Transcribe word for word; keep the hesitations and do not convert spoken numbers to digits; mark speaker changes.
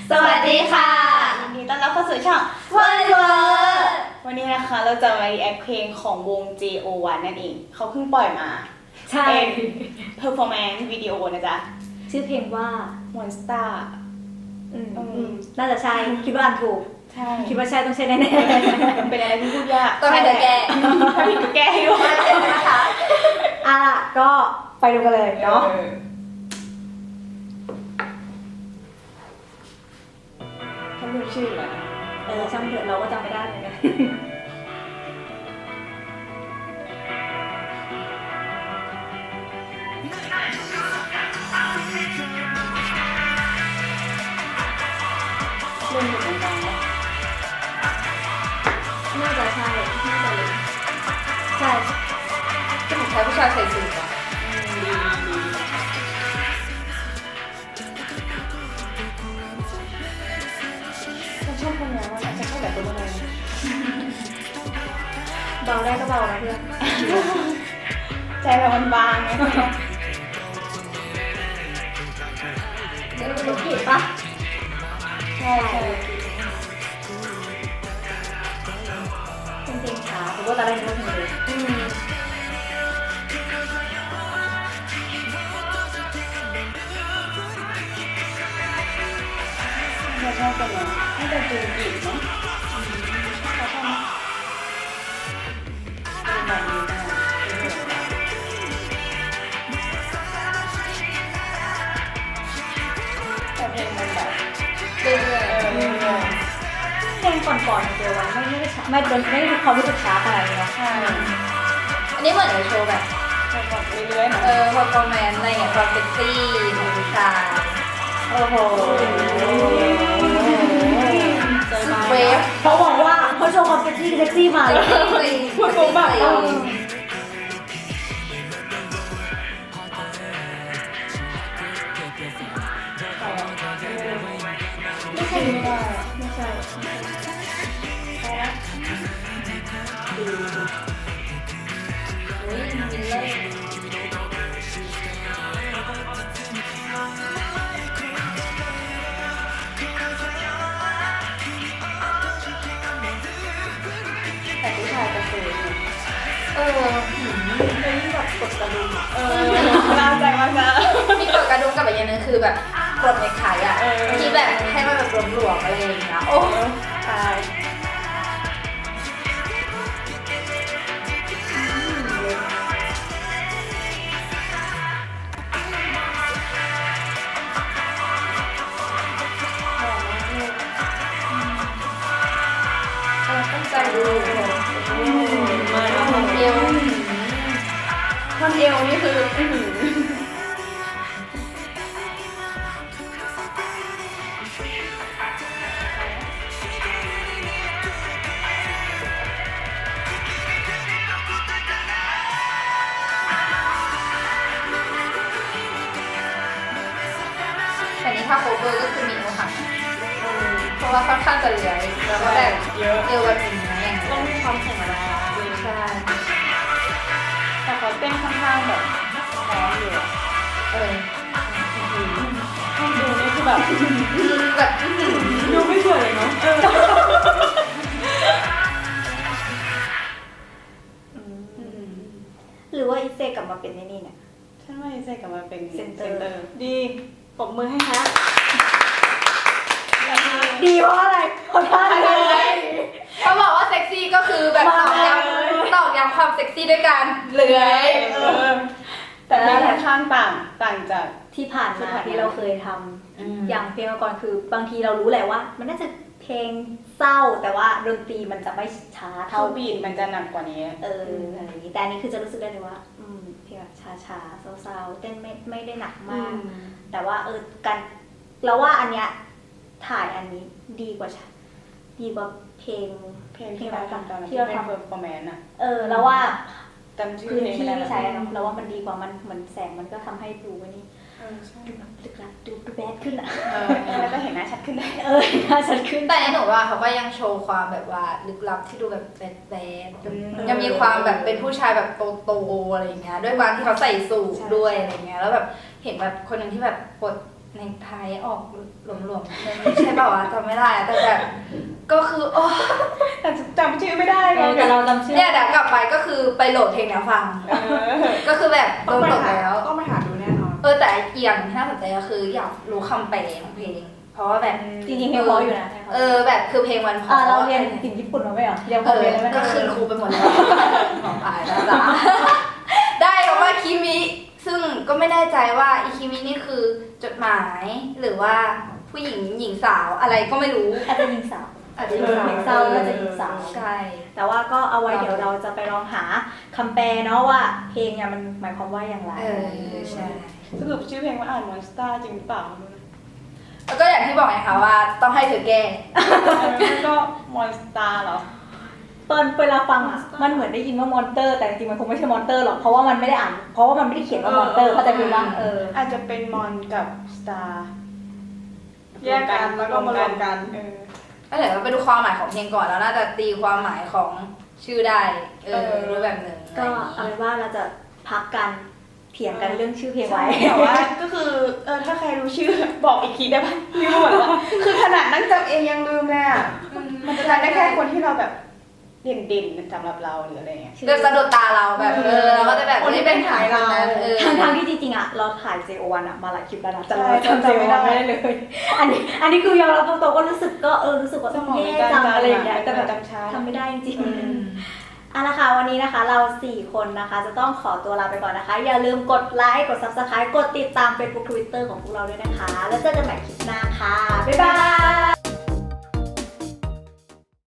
Speaker 1: สวัสดีค่ะ
Speaker 2: ยินดีต้อนรับเข้าสู่ช่อง
Speaker 1: วันเวิร์ด
Speaker 2: วันนี้นะคะเราจะมา react เพลงของวง เจ โอ วัน นั่นเอง เขาเพิ่งปล่อยมา
Speaker 1: ใช่
Speaker 2: เป็น performance video นะจ๊ะ
Speaker 1: ชื่อเพลงว่า
Speaker 2: Monster
Speaker 1: อืม
Speaker 2: อืม
Speaker 1: น่าจะใช่ คิดว่าอ่านถูก
Speaker 2: ใช่
Speaker 1: คิดว่าใช่ต้องใช่แน่
Speaker 2: เป็นอะไรที่พูดยาก
Speaker 3: ต้องให้เธอแก้
Speaker 2: ถ้าผิดก็แก้ให้ด้วย
Speaker 3: นะคะ
Speaker 1: ๆอ่ะก็ไปดูกันเลยเนาะ
Speaker 2: ออเขารู้ชื่อเหรอ
Speaker 1: เออช่างเถอะเราก็จำไม่ได้เหมือนกัน
Speaker 2: เล่นอยู่ตรงกลางปะ
Speaker 1: น่าจะใช่ น่าจะเลยใช่
Speaker 3: ก็เหมือนใช้ผู้ชายใส่สูทอะ
Speaker 2: อืมดีดีฉันชอบคนนี้ว่าฉันชอบแบบตัวอะไร
Speaker 1: เบาได้ก็เบานะเพื่อน
Speaker 2: ใจเรามันบางไง
Speaker 1: เดี๋ยวเราผิดปะ
Speaker 2: ใช่ใช่
Speaker 1: เป็นเพลงช้าแต่ว่าตอนแรกนึกว่าเพลงเร็ว
Speaker 2: อืมเราชอบกันเลยน่าจะจูนอีกเนาะเขาชอบไหมเป็นแบบนี้ได้แต่เพลงมันแบบ
Speaker 3: เรื่อย
Speaker 2: เออเรื่อย
Speaker 1: เพลงก่อนๆของเจวันไม่ไม่ได้ช้าไม่โดนไม่ได้มีความรู้สึกช้าขนาดนี้เนาะ
Speaker 2: ๆใช่
Speaker 3: ๆอันนี้เหมือนในโชว์แบบ
Speaker 2: จะแบบเรื่อยๆนะ
Speaker 3: เออพอคอมเมนต์อะไรอย่างเงี้ยความเซ็กซี่ของผู้ชาย
Speaker 2: โอ้โหใจบาง
Speaker 3: เวฟ
Speaker 1: เขาบอกว่าเขาโชว์ความเซ็กซี่เซ็กซี่มาเลย
Speaker 2: พูดปุ๊บแบบเออไม่ใช่ไม่ได้
Speaker 1: ไม่ใช่
Speaker 3: อุ้ยมิลเลอร์
Speaker 2: แต่ผู้ชายจะเซ่
Speaker 3: เออ
Speaker 1: เป็นแบบกดกระดุมอะ
Speaker 2: เออน่าใจมากนะ
Speaker 3: มีกดกระดุมกับอีกอย่างหนึงคือแบบกดในขายอะ
Speaker 2: เออ
Speaker 3: ที่แบบให้มันแบบหลวมๆอะไรอย่างเงี้ยโอ้
Speaker 2: ใช่
Speaker 3: เออตั้งใจดู
Speaker 2: มาแล้ว
Speaker 3: เอว
Speaker 2: ท่อนเอวนี่คืออื้อหือ
Speaker 3: แต่นี่ถ้าโคเวอร์ก็คือมีโอหักเพราะว่าค่อนข้างจะเหลือยแล้วก็แบบ
Speaker 2: เยอะ
Speaker 3: เอวแบบนี้นะอย่าง
Speaker 2: ต้
Speaker 3: เงี้
Speaker 2: อง
Speaker 3: ย
Speaker 2: มีความแข็งแรง
Speaker 3: ใช่
Speaker 2: แต่เขาเต้นค่อนข้างแบบพร้อมอยู่อะ
Speaker 3: เออ
Speaker 2: ให้ดูนี่คือแบบ
Speaker 3: แบบ
Speaker 2: ดูไม่สวยเลยเนาะ
Speaker 1: หรือว่าอีเซกลับมาเป็นในนี่เนี่ย
Speaker 2: ฉันว่าเซกลับมาเป็น
Speaker 1: เซ็นเตอร์
Speaker 2: ดีปรบมือให้ฮะ
Speaker 1: ดีเพราะอะไรเพราะท่าเลย
Speaker 3: เขาบอกว่าเซ็กซี่ก็คือแบบตอกย้ำตอกย้ำความเซ็กซี่ด้วยการเลื้อย
Speaker 2: เออแต่เพลงค่อนข้างต่างต่างจาก
Speaker 1: ที่ผ่าน
Speaker 2: ที่
Speaker 1: มา
Speaker 2: ผ่านมา
Speaker 1: ที่เราเคยทำอย่างเพลงก่อนคือบางทีเรารู้แหละว่า มันน่าจะเพลงเศร้าแต่ว่าดนตรีมันจะไม่ช้า
Speaker 2: เท่า
Speaker 1: เท่า
Speaker 2: บีทมันจะหนักกว่านี้
Speaker 1: เอออะไรอย่างนี้แต่อันนี้คือจะรู้สึกได้เลยว่าอืมเพลงแบบช้าๆเศร้าๆเต้นไม่ไม่ได้หนักมาก แต่ว่าเออการเราว่าอันเนี้ยถ่ายอันนี้ดีกว่าชดีกว่าเพลง
Speaker 2: เพลงที่เราทำตอนนั้น
Speaker 1: ที่
Speaker 2: ที่
Speaker 1: เรา
Speaker 2: เป็น
Speaker 1: ทำ
Speaker 2: เพอร์ฟอร์แมนซ์อะ
Speaker 1: เออเราว่า
Speaker 2: จำชื่อ
Speaker 1: พื้น
Speaker 2: เพลง
Speaker 1: ที่
Speaker 2: ไม่ได้
Speaker 1: ที่
Speaker 2: แล้ว
Speaker 1: ใช้อะเนาะเราว่ามันดีกว่ามันเหมือนแสงมันก็ทำให้ดูว่านี่
Speaker 2: เออใช่
Speaker 1: ดูแบบลึกลับดูดูแบดขึ้นอะ
Speaker 2: เออแล้วก็เห็นหน้าชัดขึ้นได้
Speaker 1: เออน่าชัดขึ้น
Speaker 3: แต่หนูว่าเขาก็ยังโชว์ความแบบว่าลึกลับที่ดูแบบแบดแบด
Speaker 2: อืม
Speaker 3: ยังมีความแบบเป็นผู้ชายแบบโตๆอะไรอย่างเงี้ยด้วยความที่เขาใส่สูทด้วยอะไรเงี้ยแล้วแบบเห็นแบบคนหนึ่งที่แบบปลดในไทยออกหลวมๆไม่ใช่เปล่าวะจำไม่ได้อะแต่แบบก็คือโอ้
Speaker 2: แต่จำชื่อไม่ได้ไง
Speaker 1: แต่เราจำชื่อ
Speaker 3: เนี่ยเดี๋ยวกลับไปก็คือไปโหลดเพลงเนี้ยฟัง
Speaker 2: เออ
Speaker 3: ก็คือแบบโด
Speaker 4: ต้อง
Speaker 3: น
Speaker 4: ไป
Speaker 3: ตก
Speaker 4: หา
Speaker 3: แล้ว
Speaker 4: ต้องไปหาดูแน่นอน
Speaker 3: เออแต่อีกอย่างที่น่าสนใจก็คืออยากรู้คำแปลของเพลง เพราะว่าแบบ
Speaker 1: จริงๆเพลงเพราะอยู่นะ
Speaker 3: เออแบบคือเพลงมันเพ
Speaker 1: อ่า
Speaker 3: ราะ
Speaker 1: เราเรียนสิ่งญี่ปุ่นมาไหมเหรอยังพ
Speaker 3: เอ
Speaker 1: อ
Speaker 3: อ
Speaker 1: เรียนแล้วไหม
Speaker 3: ก็คืนครูไปหมดแล้วของอายนะจ๊ะได้คำว่าคิมิซึ่งก็ไม่แน่ใจว่าอีคิมินี่คือจดหมายหรือว่าผู้หญิงหญิงสาวอะไรก็ไม่รู้
Speaker 1: อาจจะยิงสาว
Speaker 3: อาจจะหญิ
Speaker 1: เพ
Speaker 3: ง
Speaker 1: ลง
Speaker 3: สาว
Speaker 1: เศร้าก็จะยิงสาว
Speaker 3: ใช่
Speaker 1: แต่ว่าก็เอาไว้เดี๋ยวเราจะไปลองหาคำแปลเนาะว่าเพลงเนี่ยมันหมายความว่าอย่างไร
Speaker 3: เออใช่
Speaker 2: สรุปชื่อเพลงว่าอ่านมอนสเตอร์จริงหรือเปล่า
Speaker 3: แล้วก็อย่างที่บอกไงคะว่าต้องให้เธอแก้
Speaker 2: แล้วก็มอนสเตอร์เหรอ
Speaker 1: ตอนเวลาฟังอ่ะมันเหมือนได้ยินว่ามอนเตอร์แต่จริงๆมันคงไม่ใช่มอนเตอร์หรอกเพราะว่ามันไม่ได้อ่านเพราะว่ามันไม่ได้เขียนว่ามอนเตอร์เข้าใจไหมว่าเออ
Speaker 2: อาจจะเป็นมอนกับสตาร์
Speaker 4: แยกกันแล้วก็มารวมกัน
Speaker 2: เออ
Speaker 3: ก็เดี๋ยวเราไปดูความหมายของเพลงก่อนแล้วน่าจะตีความหมายของชื่อได้เออ
Speaker 2: เออ
Speaker 3: รู้แบบหนึ่ง
Speaker 1: ก็
Speaker 3: อะไร
Speaker 1: เอา
Speaker 3: อย่างงี้
Speaker 1: เป็นว่าเราจะพักกันเถียงกันเรื่องชื่อเพลงไว้
Speaker 2: แต่ว่าก็คือเออถ้าใครรู้ชื่อบอกอีกทีได้ปะลืมหมดแล้วอะคือขนาดนั่งจำเองยังลืมเลยอ่ะมันจะจำได้แค่คนที่เราแบบเด่นๆสำหรับเราหรืออะไรเงี้ย
Speaker 3: แบบสะดุดตาเราแบบเออเราก็จะแบบ
Speaker 4: คนที่เป็นถ่ายเรา
Speaker 3: เออ
Speaker 1: ทั้งทางๆที่จริงๆอ่ะเราถ่าย เจ โอ วันอ่ะมาหลายคลิปแล้วนะแต่เรา
Speaker 2: ใช่
Speaker 1: จำ เจ โอ วัน
Speaker 2: จำไม่
Speaker 1: ไม่
Speaker 2: ได้
Speaker 1: ได้เลย อันนี้อันนี้คือยอมรับตรงๆก็รู้สึกก็เออรู้สึกว่า
Speaker 2: สมอง
Speaker 1: แย่
Speaker 2: ในการ
Speaker 1: จัง
Speaker 2: จำ
Speaker 1: อะไรอย่างเงี้ย
Speaker 2: อะ
Speaker 1: แต่แบบ
Speaker 2: จำช้า
Speaker 1: ทำไม่ได้จริง
Speaker 3: อืม
Speaker 1: ๆเอาละค่ะวันนี้นะคะเราสี่คนนะคะจะต้องขอตัวลาไปก่อนนะคะ อย่าลืมกดไลค์กด ซับสไครบ์ กดติดตาม เฟซบุ๊ก ทวิตเตอร์ ของพวกเราด้วยนะคะ แล้วเจอกันใหม่คลิปหน้าค่ะบ๊ายบาย